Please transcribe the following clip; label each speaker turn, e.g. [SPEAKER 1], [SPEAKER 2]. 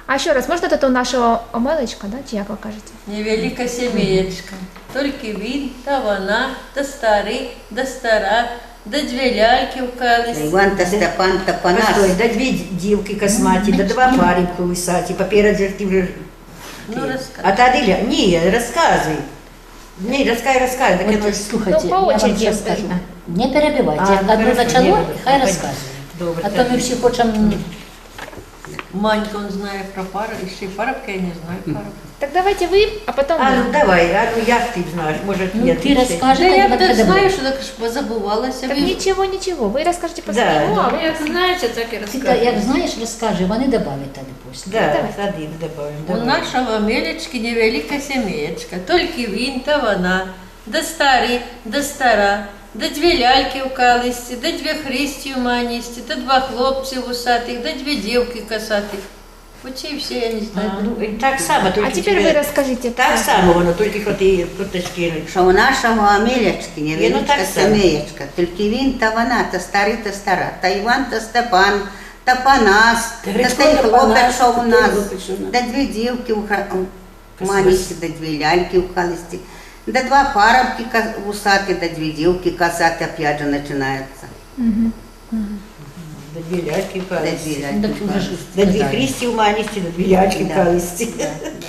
[SPEAKER 1] А ще раз, можна тут у нашого Омелечка, да? Чи як ви кажете?
[SPEAKER 2] Невелика сім'єчка, тільки він та вона, та старий, та стара, да дві ляльки в калисі.
[SPEAKER 3] Іван та Степан та Панас.
[SPEAKER 4] Постой, да две дівки косматі, да два пари колисаті, попереду ти вже...
[SPEAKER 2] Ну, розказуй.
[SPEAKER 4] А та Аделя, ні, розказуй. Ні, розказуй, так
[SPEAKER 5] Вот,
[SPEAKER 4] я
[SPEAKER 5] слухайте,
[SPEAKER 1] Ну, по
[SPEAKER 5] я вам
[SPEAKER 1] очереді.
[SPEAKER 5] сейчас скажу. Не перебивайте.
[SPEAKER 4] А,
[SPEAKER 5] Як одно
[SPEAKER 4] хорошо,
[SPEAKER 5] начало,
[SPEAKER 4] не
[SPEAKER 5] хай
[SPEAKER 4] перебивайте.
[SPEAKER 5] розказує.
[SPEAKER 4] Добре,
[SPEAKER 5] А то
[SPEAKER 4] так.
[SPEAKER 5] ми всі хочемо...
[SPEAKER 2] Манька, он знає про пару, і ще й парубка, я не знаю парубка.
[SPEAKER 1] Так давайте ви, а потім
[SPEAKER 4] А ну
[SPEAKER 1] ми.
[SPEAKER 4] давай, а ну як ти знаєш, може
[SPEAKER 5] Ну,
[SPEAKER 4] я
[SPEAKER 5] ти розкажи,
[SPEAKER 2] Да я
[SPEAKER 5] тоді
[SPEAKER 2] так
[SPEAKER 5] буде
[SPEAKER 2] знаю, що так ж позабувалася.
[SPEAKER 1] Так
[SPEAKER 2] Ви-
[SPEAKER 1] нічого, ви розкажете по
[SPEAKER 4] Да,
[SPEAKER 1] своєму,
[SPEAKER 4] да.
[SPEAKER 1] а ви
[SPEAKER 6] Як знаєте, так і
[SPEAKER 5] Ти
[SPEAKER 6] розказуєте.
[SPEAKER 5] як знаєш, розкажи, вони добавлять тоді після.
[SPEAKER 4] Да, один добавим.
[SPEAKER 2] У
[SPEAKER 4] давай.
[SPEAKER 2] нашого Мелечки невелика сім'єчка, тільки він та вона, да старий, да стара, да дві ляльки в калисті, да дві христі в маністі, да два хлопці вусатих, да дві дівки косатих. Оці всі я не знаю.
[SPEAKER 4] А, ну, і так само, тільки
[SPEAKER 1] А тепер ви розкажіть.
[SPEAKER 4] Так само воно, тільки що ти куточки.
[SPEAKER 3] Що у нашого Амелячки
[SPEAKER 4] ну,
[SPEAKER 3] невеличка
[SPEAKER 4] так само.
[SPEAKER 3] сім'єчка, тільки він та вона, та старий та стара, та Іван та Степан, та Панас, та
[SPEAKER 4] Грицько
[SPEAKER 3] той
[SPEAKER 4] та
[SPEAKER 3] хлопець,
[SPEAKER 4] Панас,
[SPEAKER 3] що у
[SPEAKER 4] та
[SPEAKER 3] нас,
[SPEAKER 4] той хлопець, що у нас.
[SPEAKER 3] да дві дівки в маністі, да дві ляльки в халисті, да два парубки вусаті, да дві дівки косаті, опять же починається.
[SPEAKER 4] Да дві ляльки в
[SPEAKER 3] Да
[SPEAKER 4] калисті.
[SPEAKER 3] дві
[SPEAKER 5] Ну,
[SPEAKER 3] ляльки
[SPEAKER 5] так
[SPEAKER 3] в
[SPEAKER 5] уже ж
[SPEAKER 3] халисті.
[SPEAKER 4] Да дві
[SPEAKER 5] сказали.
[SPEAKER 4] христі в маністі, да дві ляльки в
[SPEAKER 3] Да.
[SPEAKER 4] калисті.
[SPEAKER 3] Да,